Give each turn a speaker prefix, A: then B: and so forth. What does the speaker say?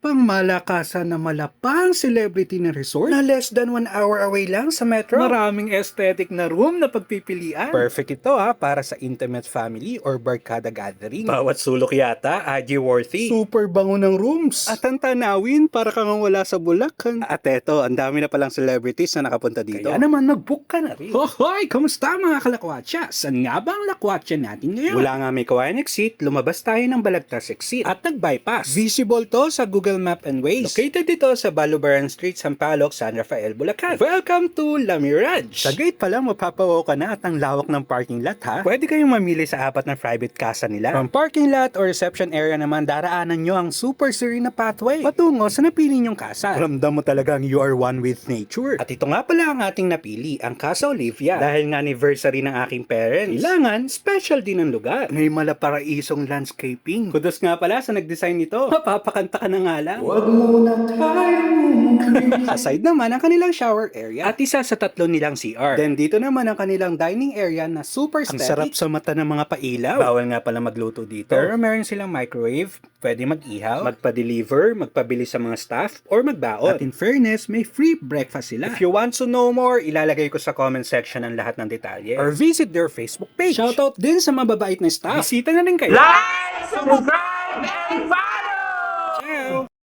A: pang malakasan na malapang celebrity na resort na less than 1 hour away lang sa metro. Maraming aesthetic na room na pagpipilian. Perfect ito para sa intimate family or barkada gathering. Bawat sulok yata, IG worthy. Super bango ng rooms. At ang tanawin, para kang wala sa Bulacan. At eto, ang dami na palang celebrities na nakapunta dito. Kaya naman, mag-book ka na rin. Hoy! Kamusta mga kalakwatsa? Saan nga ba ang lakwatsa natin ngayon? Wala nga may kawayan exit, lumabas tayo ng Balagtas exit at nag-bypass. Visible to sa Google Map and Waze. Located dito sa Balubaran Street, Sampaloc, San Rafael, Bulacan. Welcome to La Mirage. Sa gate pa lang mapapawaw ka na at ang lawak ng parking lot Pwede kayong mamili sa apat na private casa nila. From parking lot or reception area naman, daraanan nyo ang super serene na pathway patungo sa napili nyong casa. Ramdam mo talagang you are one with nature. At ito nga pala ang ating napili, ang Casa Olivia. Dahil nga anniversary ng aking parents, kailangan special din ang lugar. May malaparaisong landscaping. Kudos nga pala sa nag-design nito. Mapapakanta ka na nga lang. Huwag muna tayo. Aside naman ang kanilang shower area at isa sa tatlo nilang CR. Then dito naman ang kanilang dining area na super aesthetic. Ang sarap sa mata ng mga pailaw. Bawal nga pala magluto dito. Pero meron silang microwave, pwede mag-ihaw, magpa-deliver, magpabili sa mga staff, or magbaon. At in fairness, may free breakfast sila. If you want to know more, ilalagay ko sa comment section ang lahat ng detalye. Or visit their Facebook page. Shoutout din sa mababait na staff. Bisita na rin kayo.
B: Like, subscribe, and follow!
A: Ciao!